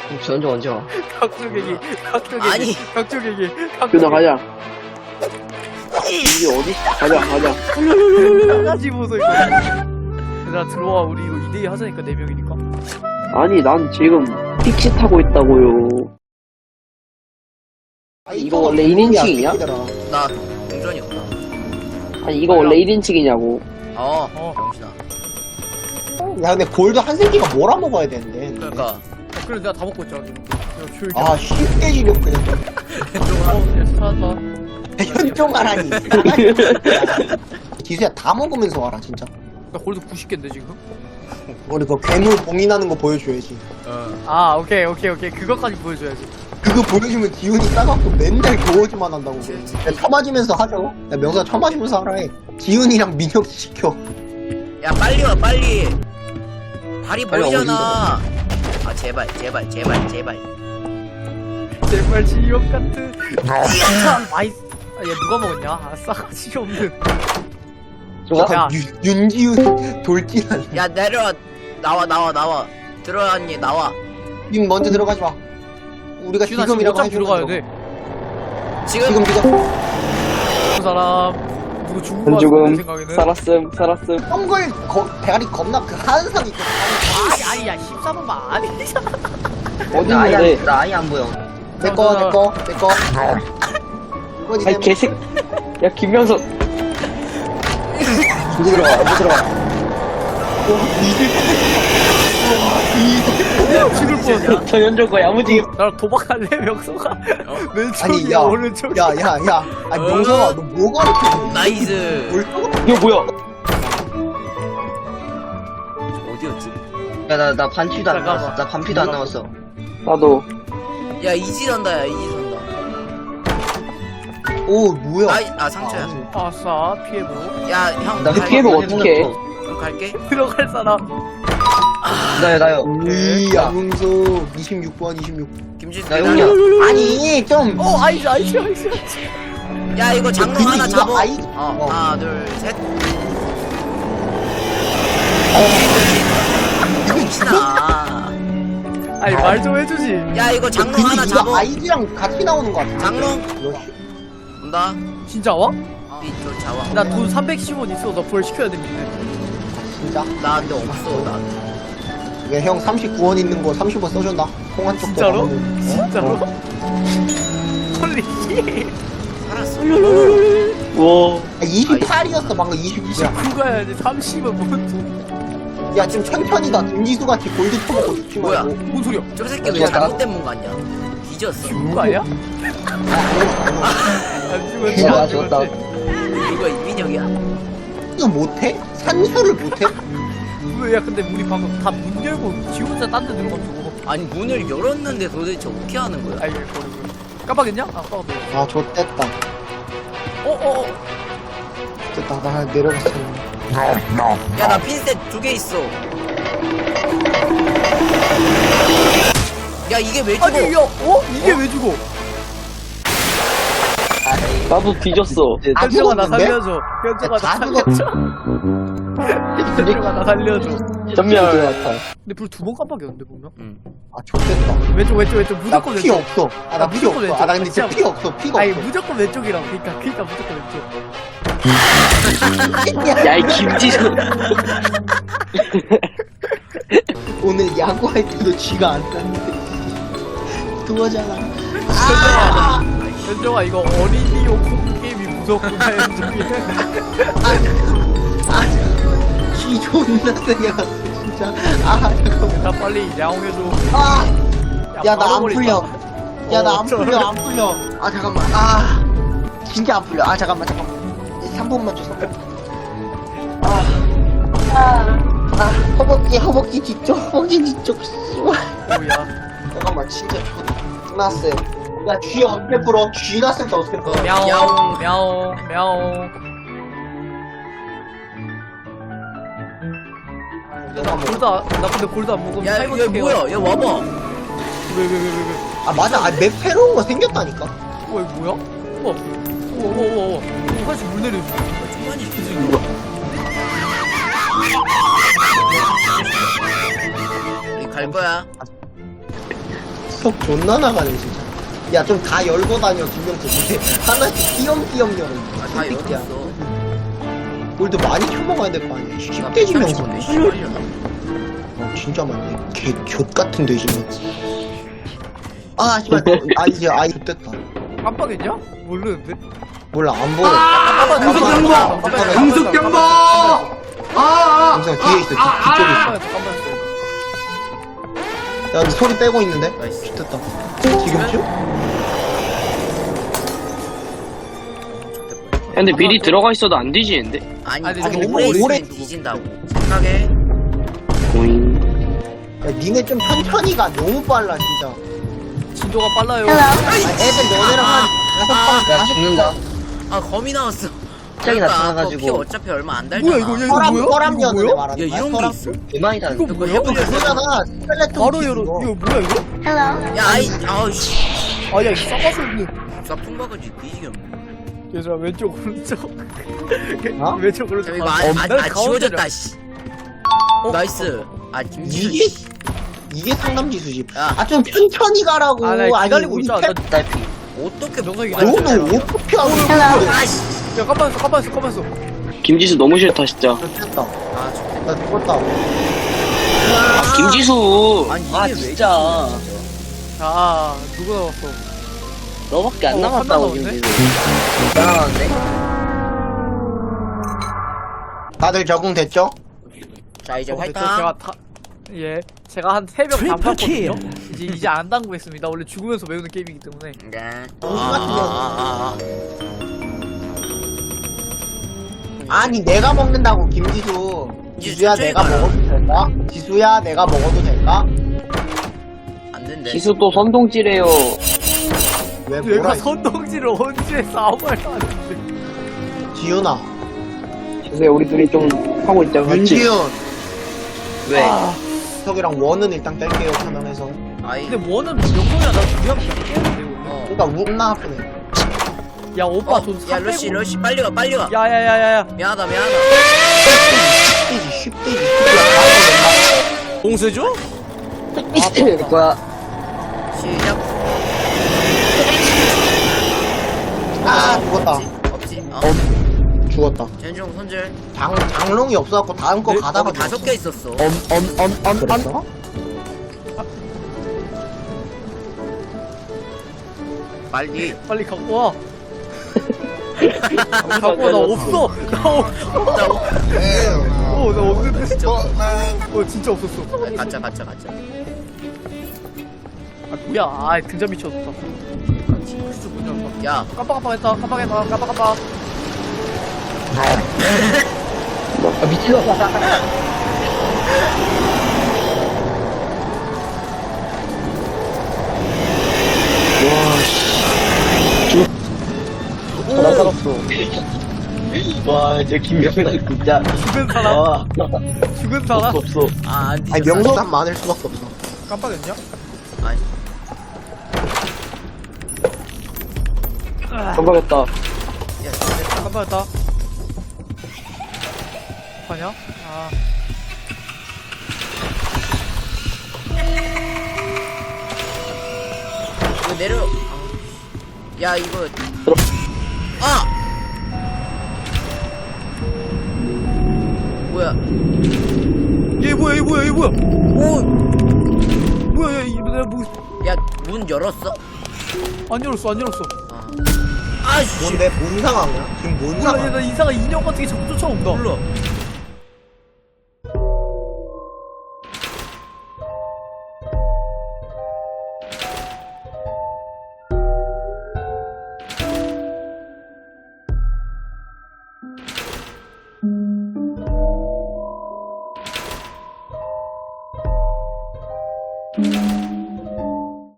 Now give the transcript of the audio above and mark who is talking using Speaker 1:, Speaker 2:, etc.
Speaker 1: 지원자 언제 와?
Speaker 2: 각쪽얘기
Speaker 3: 아니.
Speaker 2: 각쪽얘기
Speaker 1: 준아 가자. 이게 어디? 가자.
Speaker 2: 나가지 보소 이거. 얘들아 들어와. 우리 이거 2대2 하자니까 4명이니까.
Speaker 1: 아니 난 지금 픽시 타고 있다고요. 아니 이거 원래 1인칭이냐?
Speaker 3: 나 동전이었다.
Speaker 1: 아니 이거 원래 1인칭이냐고.
Speaker 3: 병신아.
Speaker 4: 야 근데 골드 한 새끼가 뭐라 먹어야 되는데.
Speaker 3: 그러니까.
Speaker 2: 그래 내가 다 먹고 있잖아 지금. 조용히.
Speaker 4: 아 쉽게 지력 그냥.
Speaker 2: 찾았다.
Speaker 4: 현종하라니. 기수야 다 먹으면서 와라 진짜.
Speaker 2: 나 골드 90개인데 지금.
Speaker 4: 우리 그 괴물 봉인하는 거 보여줘야지.
Speaker 2: 아 오케이 그것까지 보여줘야지.
Speaker 4: 그거 보여주면 기운이 싸갖고 맨날 겨워지만 한다고. 야, 쳐맞으면서 하죠. 야 명수야 쳐맞으면서 하라 해. 기운이랑 민혁 시켜.
Speaker 3: 야 빨리 와 빨리. 발이
Speaker 1: 빨리
Speaker 3: 보이잖아. 아 제발.
Speaker 2: 제발 지옥 같은. 아이. 아, 얘 누가 먹었냐? 아 싸가지 없는.
Speaker 1: 좋아?
Speaker 2: 야.
Speaker 4: 윤기훈 돌진한.
Speaker 3: 야 내려와. 나와. 들어왔니 나와.
Speaker 4: 님 먼저 들어가지 마. 우리가
Speaker 2: 지훈아 지금
Speaker 4: 지금이라고
Speaker 2: 어차피 들어가야
Speaker 4: 해주면
Speaker 2: 돼.
Speaker 3: 지금
Speaker 2: 그 사람 누구 죽은 거
Speaker 1: 안
Speaker 2: 같은데
Speaker 1: 죽음.
Speaker 2: 생각에는.
Speaker 1: 살았음.
Speaker 4: 덩굴 대가리 겁나 그 한상 있거든.
Speaker 2: 아니 야 14번만 아니잖아.
Speaker 1: 어디 있는데?
Speaker 5: 나 아예 안 보여.
Speaker 4: 내꺼.
Speaker 1: 아니 개색. 야 김명석.
Speaker 4: 누구 들어가.
Speaker 2: 죽을 뻔.
Speaker 1: 전현조가 야무지게.
Speaker 2: 나랑 도박할래 명소가.
Speaker 4: 아니
Speaker 2: 왼쪽이야
Speaker 4: 야.
Speaker 2: 오른쪽.
Speaker 4: 야. 아니 명성아 너 뭐가 이렇게
Speaker 3: 나이스.
Speaker 4: 뭘 또?
Speaker 1: 이거 뭐야?
Speaker 3: 어디였지?
Speaker 5: 야, 나 반피도 안
Speaker 2: 잠깐만.
Speaker 5: 남았어. 나 반피도 안 남았어.
Speaker 1: 나도.
Speaker 3: 야 이지선다.
Speaker 4: 오 뭐야?
Speaker 3: 상처야.
Speaker 2: 아싸 피해보.
Speaker 3: 야 형.
Speaker 5: 나
Speaker 1: 피해면 어떡해?
Speaker 3: 갈게.
Speaker 2: 들어갈 사람.
Speaker 5: 나요.
Speaker 4: 이 양웅수 26번 26.
Speaker 3: 김진수.
Speaker 5: 나 용이야.
Speaker 4: 아니 좀.
Speaker 2: 아이지.
Speaker 3: 야 이거 장롱
Speaker 4: 근데
Speaker 3: 하나
Speaker 4: 이거
Speaker 3: 잡어.
Speaker 4: 아이-
Speaker 3: 하나 둘 셋. 미친아.
Speaker 2: 아니 말 좀 해주지.
Speaker 3: 야 이거 장롱
Speaker 4: 근데
Speaker 3: 하나
Speaker 4: 이거
Speaker 3: 잡어.
Speaker 4: 아이디랑 같이 나오는 거 같아.
Speaker 3: 장롱
Speaker 4: 이거
Speaker 3: 온다.
Speaker 2: 진짜 와?
Speaker 3: 이쪽 잡아.
Speaker 2: 나 돈 310원 있어. 나 부활 시켜야 됩니다.
Speaker 4: 진짜.
Speaker 3: 나 근데 없어. 나.
Speaker 4: 이게 형 39원 있는 거 30원 써준다. 통 한쪽
Speaker 2: 진짜로? 진짜로? 홀리 씨.
Speaker 3: 살았어.
Speaker 1: 와.
Speaker 4: 28이었어 방금 29야.
Speaker 2: 29가야지 30은 뭔
Speaker 4: 야 지금 천천히다. 김지수 같이 골드 쳐먹고 죽지
Speaker 3: 뭐야?
Speaker 4: 말고.
Speaker 2: 뭔 소리야?
Speaker 3: 저 새끼 왜 잘못된 문 같냐? 뒤졌어.
Speaker 2: 죽은 거 아니야? 안 죽었지
Speaker 5: 와,
Speaker 2: 안
Speaker 5: 죽었다.
Speaker 2: 죽었지.
Speaker 3: 이거 이민혁이야?
Speaker 4: 이거 못해? 산수를 못해?
Speaker 2: 왜? 야 근데 우리 방금 다 문 열고 지 혼자 딴 데 들어가지고.
Speaker 3: 아니 문을 열었는데 도대체 어떻게 하는 거야?
Speaker 2: 아이 버리고. 깜빡했냐? 아 깜빡했네.
Speaker 4: 아 좆됐다. 됐다. 나 내려갔어.
Speaker 3: 야 나 핀셋 2개 있어. 야 이게 왜 죽어?
Speaker 2: 아니 야 이게 왜 죽어?
Speaker 1: 나도 뒤졌어.
Speaker 4: 아,
Speaker 2: 현정아 나
Speaker 4: 죽었는데?
Speaker 2: 살려줘. 현정아 나
Speaker 4: 다
Speaker 2: 살려줘. 현정아 나 살려줘.
Speaker 1: 전멸.
Speaker 2: 근데 불 2번 깜빡이었는데 보면?
Speaker 4: 아 좆됐다.
Speaker 2: 왼쪽
Speaker 4: 나
Speaker 2: 무조건
Speaker 4: 피
Speaker 2: 왼쪽.
Speaker 4: 없어. 아 나 피
Speaker 2: 무조건
Speaker 4: 없어.
Speaker 2: 왼쪽.
Speaker 4: 아 나 근데 진짜
Speaker 2: 진짜
Speaker 4: 피 없어. 피가
Speaker 2: 아니
Speaker 4: 없어.
Speaker 2: 무조건 왼쪽이라고. 그러니까 무조건 왼쪽.
Speaker 1: 야이 김지수.
Speaker 4: 오늘 야구할 때도 쥐가 안 땄는데. 그거잖아.
Speaker 2: 현정아 이거 어린이용 콤보 게임이 무섭구나 현정이.
Speaker 4: 쥐 존나 세게 진짜. 아 잠깐만.
Speaker 2: 나 빨리 야옹해줘.
Speaker 4: 아. 야 나 안
Speaker 2: 말아버린다.
Speaker 4: 풀려. 야 나 안
Speaker 2: 어쩌-
Speaker 4: 풀려 안 풀려. 아 잠깐만. 아 진짜 안 풀려. 아 잠깐만. 3번만 줘. 3번. 허벅지 뒤쪽. 씨발.
Speaker 2: 뭐야?
Speaker 4: 잠깐만 진짜 끝났어요. 야 쥐 어떻게 풀어? 쥐 났을 때 어떻게 풀어?
Speaker 2: 야옹 야옹. 나 근데 골드 안 먹으면
Speaker 3: 야
Speaker 2: 타이머
Speaker 3: 이거
Speaker 2: 칠게요.
Speaker 3: 뭐야? 야 와봐.
Speaker 2: 왜?
Speaker 4: 아 맞아. 아 맵 새로운 거 생겼다니까.
Speaker 2: 이거 뭐야? 우와. 사실 물 내려줘.
Speaker 3: 중간이 우리 갈 거야.
Speaker 4: 속 존나 나가네 진짜. 야 좀 다 열고 다녀 김명수. 근데 하나씩 띄엄띄엄 열어.
Speaker 3: 다 열었어.
Speaker 4: 뭘도 많이 쳐먹어야 될 거 아니야. 10대 지명수. 진짜 많네. 개족 같은 돼지면. 아 씨발. 아 이제 아이 됐다.
Speaker 2: 깜빡했냐? 모르는데?
Speaker 4: 몰라 안 보여.
Speaker 2: 금속
Speaker 4: 경보!
Speaker 2: 금속
Speaker 6: 경보!
Speaker 4: 영상 뒤에 있어. 뒤쪽에 있어.
Speaker 2: 깜빡했어.
Speaker 4: 야 근데 소리 빼고 있는데?
Speaker 3: 나이스.
Speaker 4: 됐다. 지금쯤?
Speaker 1: 근데 미리 들어가 있어도 안 뒤지는데?
Speaker 3: 아니
Speaker 2: 아니,
Speaker 3: 너무
Speaker 2: 너무
Speaker 3: 오래 있으면
Speaker 4: 오래
Speaker 3: 뒤진다고. 생각해.
Speaker 1: 오잉.
Speaker 4: 야 니네 좀 천천히 가. 너무 빨라 진짜.
Speaker 2: 진도가 빨라요.
Speaker 4: 아, 애들 너네랑 한 다섯 방
Speaker 5: 야
Speaker 4: 다섯
Speaker 5: 죽는다.
Speaker 3: 아 검이 나왔어.
Speaker 5: 갑자기 나타나가지고.
Speaker 3: 피 어차피 얼마 안 달잖아.
Speaker 2: 뭐야, 이거, 야, 이거
Speaker 4: 서랍
Speaker 2: 뭐야?
Speaker 4: 서랍이었는데
Speaker 2: 이거
Speaker 4: 말하는
Speaker 3: 야
Speaker 4: 거야.
Speaker 3: 이런 게
Speaker 4: 서랍.
Speaker 3: 있어?
Speaker 5: 대만이 다는.
Speaker 2: 이거 뭐야?
Speaker 3: 해보자.
Speaker 4: 그거잖아. 스켈레톤
Speaker 2: 바로
Speaker 4: 키
Speaker 2: 열어.
Speaker 4: 그거.
Speaker 2: 이거 뭐야 이거?
Speaker 3: 야 아이 아우씨.
Speaker 2: 아야 이거 싸가지 없네.
Speaker 3: 싹풍 박아지 뒤지겠네.
Speaker 2: 얘들아 왼쪽 오른쪽.
Speaker 4: 어?
Speaker 2: 왼쪽 오른쪽.
Speaker 3: 이거
Speaker 2: 난
Speaker 3: 지워졌다
Speaker 2: 가운데를-
Speaker 3: 씨. 나이스. 아 김지수.
Speaker 4: 이게 이게 상남지수지.
Speaker 3: 야.
Speaker 4: 아 좀 천천히 가라고.
Speaker 2: 아, 나 기다리고
Speaker 4: 우리
Speaker 2: 있잖아.
Speaker 4: 태-
Speaker 2: 나-
Speaker 5: 딸피.
Speaker 3: 어떻게
Speaker 2: 정석이
Speaker 4: 너는 어떻게 하고 있는 거야?
Speaker 3: 아씨.
Speaker 2: 야 깜빡했어.
Speaker 1: 김지수 너무 싫다 진짜.
Speaker 4: 됐다.
Speaker 3: 아 좋겠다.
Speaker 4: 나 죽었다.
Speaker 1: 아, 김지수.
Speaker 3: 아니 이게
Speaker 5: 아,
Speaker 3: 왜
Speaker 5: 진짜.
Speaker 2: 자 누구 나왔어?
Speaker 5: 너밖에 안
Speaker 2: 한
Speaker 5: 남았다고
Speaker 2: 명 남았네?
Speaker 5: 김지수. 나왔네.
Speaker 4: 다들 적응됐죠?
Speaker 3: 자 이제
Speaker 2: 저
Speaker 3: 활동.
Speaker 2: 제가 제가 한 3명 담갔거든요. 이제 안 담그겠습니다. 원래 죽으면서 외우는 게임이기 때문에.
Speaker 3: 네.
Speaker 4: 아. 아니 내가 먹는다고 김지수. 지수야
Speaker 3: 천천히
Speaker 4: 내가
Speaker 3: 가라.
Speaker 4: 먹어도 될까? 지수야 내가 먹어도 될까?
Speaker 3: 안 된대.
Speaker 1: 지수 또 선동질해요.
Speaker 4: 왜
Speaker 2: 얘가
Speaker 4: 뭐라?
Speaker 2: 선동질을 언제 했어? 아무 말도 안 했는데.
Speaker 4: 지훈아.
Speaker 1: 지수야 우리 둘이 좀 하고 있자. 같이.
Speaker 4: 윤지훈.
Speaker 5: 왜?
Speaker 2: 아,
Speaker 4: 석이랑 원은 일단 뗄게요 편안해서.
Speaker 3: 아이.
Speaker 2: 근데 뭐는 몇 명이야? 나 중요한 게 깨는데
Speaker 3: 어.
Speaker 4: 그러니까 우나 아프네.
Speaker 2: 야 오빠
Speaker 3: 어,
Speaker 2: 돈
Speaker 3: 야
Speaker 2: 300.
Speaker 3: 러시 빨리 가 빨리 가.
Speaker 2: 야야야야야.
Speaker 3: 미안하다.
Speaker 4: 쉽대지.
Speaker 3: 봉쇄죠?
Speaker 5: 될 거야.
Speaker 3: 시작.
Speaker 4: 아 죽었다.
Speaker 3: 없지.
Speaker 4: 죽었다.
Speaker 3: 전중 손절.
Speaker 4: 장롱이 없어갖고 다음 거 가다가
Speaker 3: 거기 5개 있었어.
Speaker 4: 그랬어?
Speaker 3: 빨리.
Speaker 2: 빨리 갖고 와. 갖고 와. 나 없어. 나 없어. 나 없는데. 진짜 없었어.
Speaker 3: 가짜.
Speaker 2: 아 뭐야? 아 등잔 미쳤다. 진짜 못 열었다.
Speaker 3: 야.
Speaker 2: 깜빡했다. 깜빡.
Speaker 5: 아 미친놈아.
Speaker 1: 나 살았어.
Speaker 5: 와, 저 김명상 진짜.
Speaker 2: 죽은 사람.
Speaker 5: 와,
Speaker 2: 죽은 사람.
Speaker 5: 없어.
Speaker 3: 아, 안
Speaker 4: 아니
Speaker 3: 뒤졌어.
Speaker 4: 명소단 많을 수밖에 없어.
Speaker 2: 깜빡했냐?
Speaker 3: 아니.
Speaker 1: 깜빡했다.
Speaker 3: 야, 진짜.
Speaker 2: 깜빡했다. 아냐? 아.
Speaker 3: 이거 내려. 야, 이거. 아! 뭐야?
Speaker 2: 얘 뭐야?
Speaker 3: 오!
Speaker 2: 뭐야? 얘 내가 뭐
Speaker 3: 야, 문 열었어?
Speaker 2: 안 열었어.
Speaker 3: 아. 아씨!
Speaker 4: 뭔데? 뭔 상황이야? 지금 뭔
Speaker 2: 몰라.
Speaker 4: 상황?
Speaker 2: 얘나 이상한 인형 같은 게 자꾸 쫓아온다.
Speaker 3: 몰라.